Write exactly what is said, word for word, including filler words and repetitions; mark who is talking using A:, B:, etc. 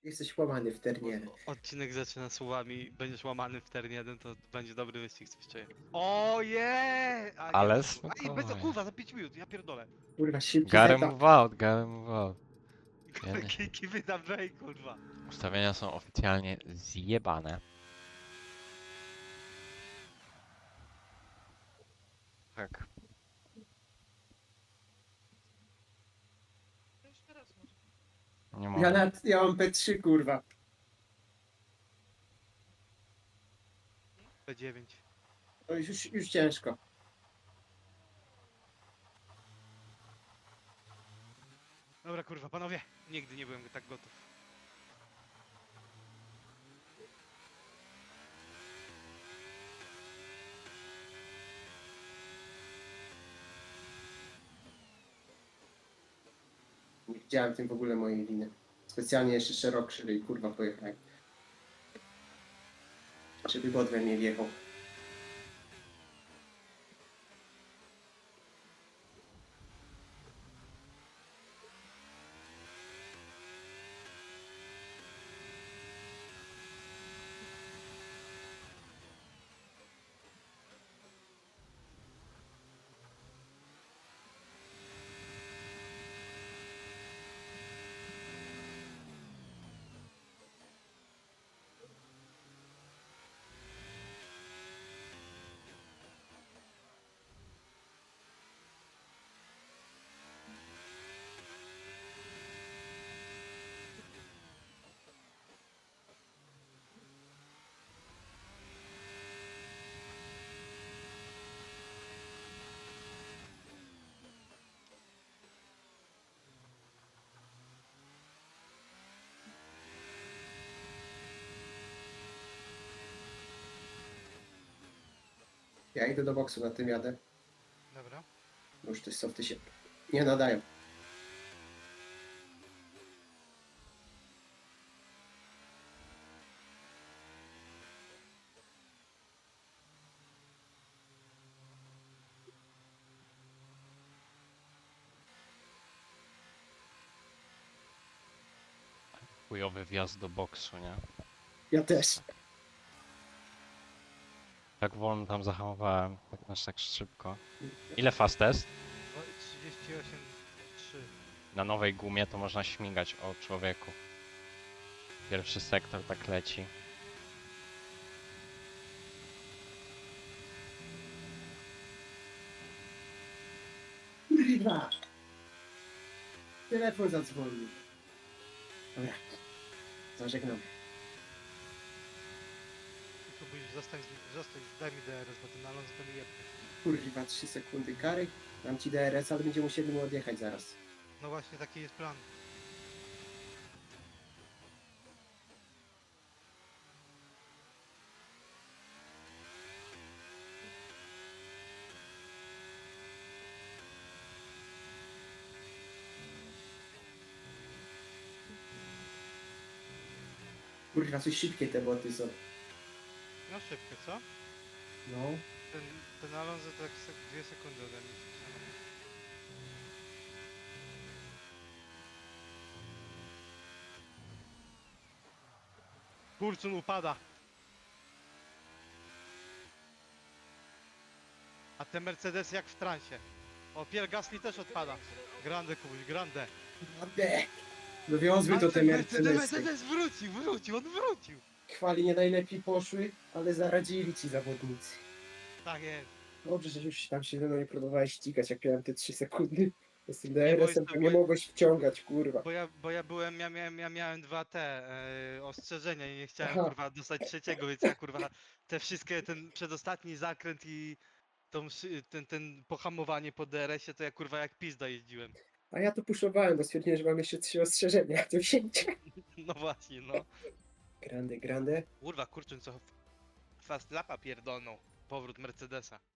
A: Jesteś łamany w ternie.
B: O- Odcinek zaczyna słowami, będziesz łamany w teren jeden, to będzie dobry wyścig, coś czuję. O je! A nie,
C: Ale
B: bez, a i bez
C: spokojnie.
B: kurwa, za pięć minut, ja pierdolę.
A: Kurwa, szybki
C: Gotta
A: setup.
C: move out, gotta move out. Ja nie-
B: Kiki wydam wej, kurwa.
C: Ustawienia są oficjalnie zjebane. Tak. Nie
A: Ja,
C: mogę.
A: na, ja mam P trzy, kurwa.
B: P dziewięć.
A: To już, już ciężko.
B: Dobra kurwa, panowie, nigdy nie byłem tak gotów.
A: Nie widziałem tym w ogóle mojej liny. Specjalnie jeszcze szerok i kurwa pojechałem. Żeby bot we mnie wjechał. Ja idę do boksu, na tym jadę.
B: Dobra.
A: Bo już te softy się nie nadają.
C: Chujowy wjazd do boksu, nie?
A: Ja też.
C: Tak wolno tam zahamowałem, tak aż tak szybko. Ile fast test?
B: O, trzydzieści osiem trzy.
C: Na nowej gumie to można śmigać o człowieku. Pierwszy sektor tak leci.
A: Kurwa! Telefon zadzwonił. Dobra. Zażegnam.
B: Tu byś zostań, z- zostań, daj mi D R S, bo ten Alonso to mi jebnie.
A: Kurwa, trzy sekundy kary. Dam ci D R S, ale będziemy musieli mu odjechać zaraz.
B: No właśnie, taki jest plan.
A: Kurwa, coś szybkie te boty są.
B: No szybko, co?
A: No.
B: Ten, ten Alonso to tak sek dwie sekundy ode mnie. Kurczun upada. A te Mercedesy jak w transie. O, Pierre Gasly też odpada. Grande Kubuś, grande.
A: Ade! Dowiozły to te
B: ten
A: Mercedesy.
B: Mercedes wrócił, wrócił, on wrócił.
A: Chwali nie najlepiej poszły, ale zaradzili ci zawodnicy.
B: Tak jest.
A: Dobrze, że już tam się ze mną nie próbowałeś ścigać, jak miałem te trzy sekundy. Z tym
B: Nie,
A: D R S-em
B: bo
A: to
B: jest-
A: nie mogłeś wciągać, kurwa.
B: Bo ja, bo ja byłem, ja miałem, ja miałem dwa te e, ostrzeżenia i nie chciałem
A: Aha.
B: kurwa dostać trzeciego, więc ja kurwa te wszystkie, ten przedostatni zakręt i tą, szy- ten, ten pohamowanie po D R S-ie to ja kurwa jak pizda jeździłem.
A: A ja to puszowałem, bo stwierdziłem, że mam jeszcze trzy ostrzeżenia do wzięcia.
B: No właśnie, no.
A: Grande, grande.
B: Kurwa, kurczę, co f- fast lapa pierdolną. Powrót Mercedesa.